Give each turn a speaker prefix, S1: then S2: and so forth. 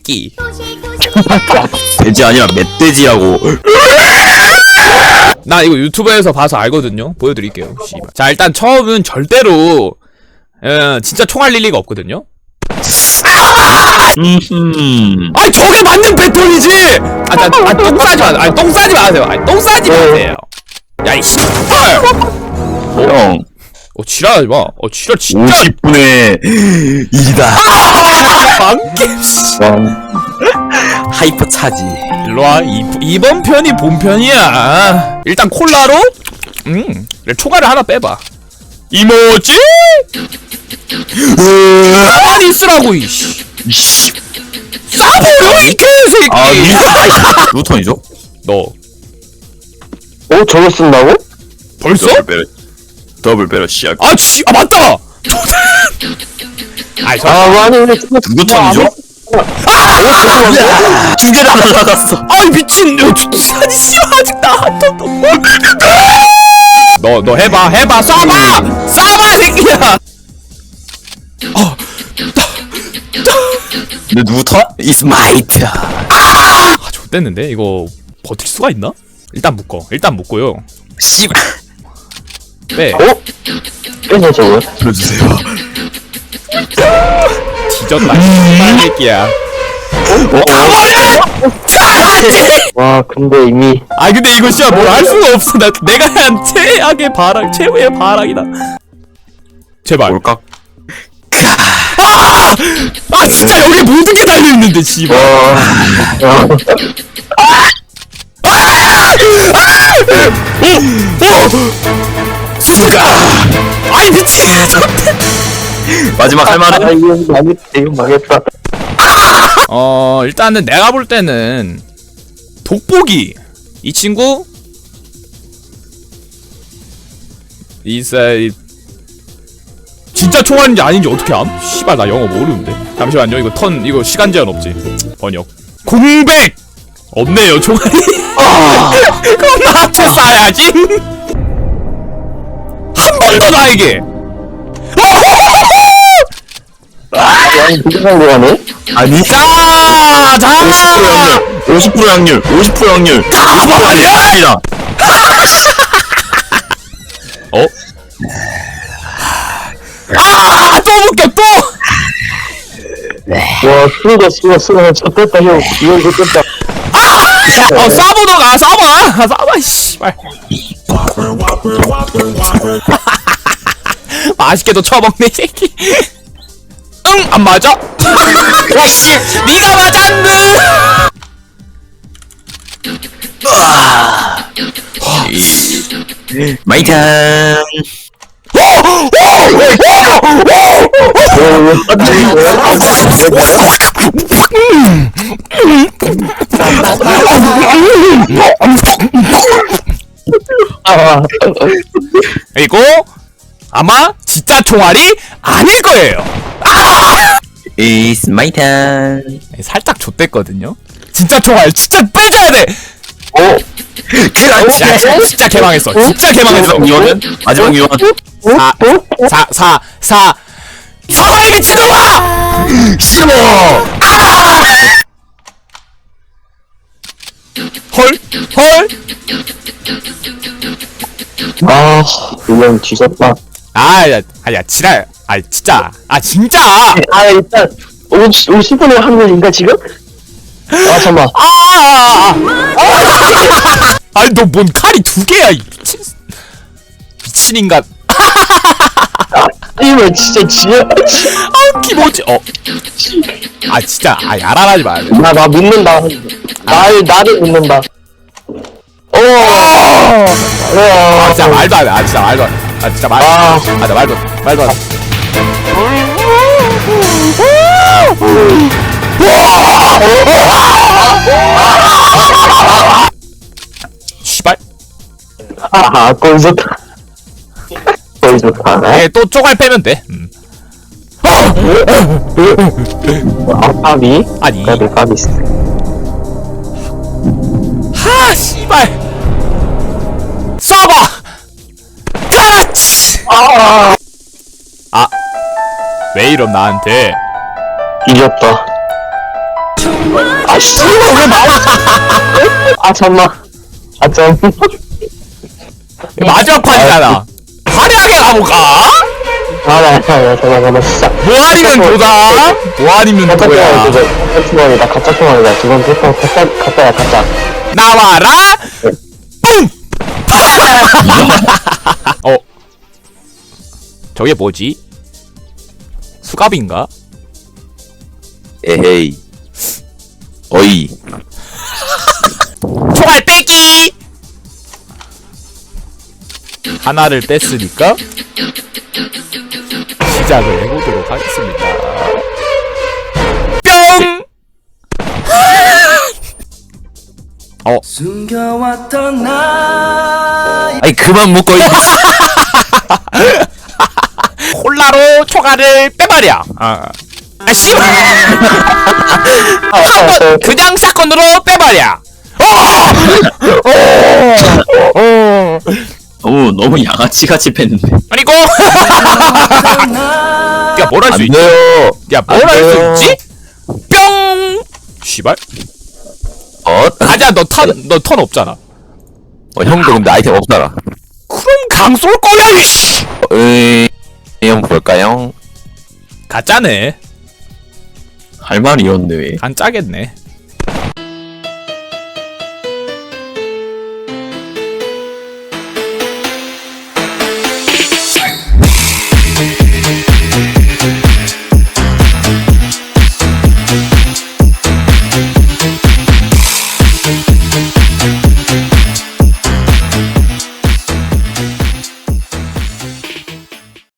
S1: 새끼.
S2: 돼지 아니라 멧돼지라고.
S1: 나 이거 유튜브에서 봐서 알거든요. 보여드릴게요. 씨발. 자, 일단 처음은 절대로 진짜 총알 릴리가 없거든요. 아니 저게 맞는 배터리지! 똥 싸지 마. 아니 똥 싸지 마세요. 아니 똥 싸지 마세요. 야 이 씨발!
S2: 형.
S1: 지랄하지 마. 지랄 진짜.
S2: 50분의 2다.
S1: 망겜 씨.
S2: 하이퍼 차지.
S1: 일로와. 이번 편이 본편이야. 일단 콜라로 총알을 하나 빼봐. 이모지? 가만히 있으라고 이씨. 싸버려 이 개새끼.
S2: 루턴이죠?
S1: 너
S3: 저거 쓴다고?
S1: 벌써?
S2: 더블 배럴 시작.
S1: 맞다! 아이
S3: 아니 근데
S2: 루턴이죠? 두 개나 날라갔어.
S1: 아이 미친 아니 씨발 아직 나한 턴도 너 해봐 쏴봐 새끼야.
S2: 근데 루턴? is might.
S1: 좆됐는데 이거 버틸 수가 있나? 일단 묶고요.
S2: 씨발.
S1: 빼.
S3: 빼서 저거
S2: 불러주세요.
S1: 뒤졌다 씨발 새끼야.
S3: 와 근데 이미
S1: 근데 이거 진짜 뭘 할 수가 없어. 내가 한 최후의 바람이다. 제발.
S2: 뭘까?
S1: 진짜 여기 모든 게 달려있는데 씨발. 수가! 아이 미친!
S2: 마지막 할 말은?
S3: 이거 망했다.
S1: 일단은 내가 볼 때는 돋보기 이 친구 진짜 총알인지 아닌지 어떻게 암? 씨발 나 영어 모르는데. 잠시만요. 이거 시간 제한 없지. 번역. 공백 없네요 총알이. 그럼 나한테 쏴야지. 한 번 더 나에게.
S3: 아니 부정상도 가네?
S2: 아니.
S1: 자
S2: 50% 확률. 50% 확률.
S1: 가만히야. 또 묶여 또.
S3: 와 쓰러졌어 쳤댔다 형 이거 쳤댔다.
S1: 쏴보던가 쏴봐 씨발. 맛있게도 쳐먹네 이 새끼. 안 맞아? 야씨 니가 맞았네.
S2: 마이 타임.
S1: 그리고 아마 진짜 총알이 아닐 거예요.
S2: It's my turn.
S1: 살짝 좆됐거든요. 진짜 총알 진짜 빼줘야 돼. 진짜 개망했어. 진짜 개망했어.
S2: 이거는 마지막 이원.
S1: 사과에게 지도와.
S2: 싫어.
S1: 헐.
S3: 이건 뒤졌다.
S1: 야 지랄. 진짜.
S3: 일단 50분의 확률인가 지금? 잠깐만.
S1: 아니 너 뭔 칼이 두 개야 이 미친 인간.
S3: 이거 진짜
S1: 기모지. 진짜 야랄하지 마.
S3: 나 믿는다. 나를 믿는다.
S1: 진짜 말도 안 돼. 진짜 말도 안 돼. 진짜 말도 안 돼. 씨발.
S3: 꼴 좋다. 꼴 좋다.
S1: 또 쪼갈 빼면 돼.
S3: 까비?
S1: 아니.
S3: 까비.
S1: 씨발. 쏴봐. 그렇지. 왜 이럼 나한테.
S3: 이겼다. 아 씨발 왜 말? 아 잠만. 아 잠.
S1: 마지막 판이잖아. 화려하게 가볼까?
S3: 잠깐만 진짜.
S1: 뭐 아니면 도다. 뭐 아니면
S3: 가짜
S1: 도야.
S3: 투망이다. 가짜 투망이다. 지금 보통 가짜야 가짜.
S1: 나와라. 뿡. 저게 뭐지? 수갑인가?
S2: 에헤이. 어이.
S1: 총알 뺏기! 하나를 뺐으니까 시작을 해보도록 하겠습니다. 뿅!
S4: 숨겨왔던 나
S2: 아이 그만 묶어 이.
S1: 콜라로 총알을 빼버려. 아 씨발! 그냥 사건으로 빼버려.
S2: 오 너무 양아치같이 팼는데.
S1: 그리고 야 뭘 할 수
S2: 안
S1: 있지?
S2: 돼요.
S1: 야 뭘 할 수 있지? 뿅! 씨발. 가자 너 턴 없잖아.
S2: 형도 근데 아이템 없잖아.
S1: 그럼 강 쏠 거야 이씨.
S2: 한번 볼까요?
S1: 가짜네.
S2: 할 말이 이런데 왜?
S1: 간 짜겠네.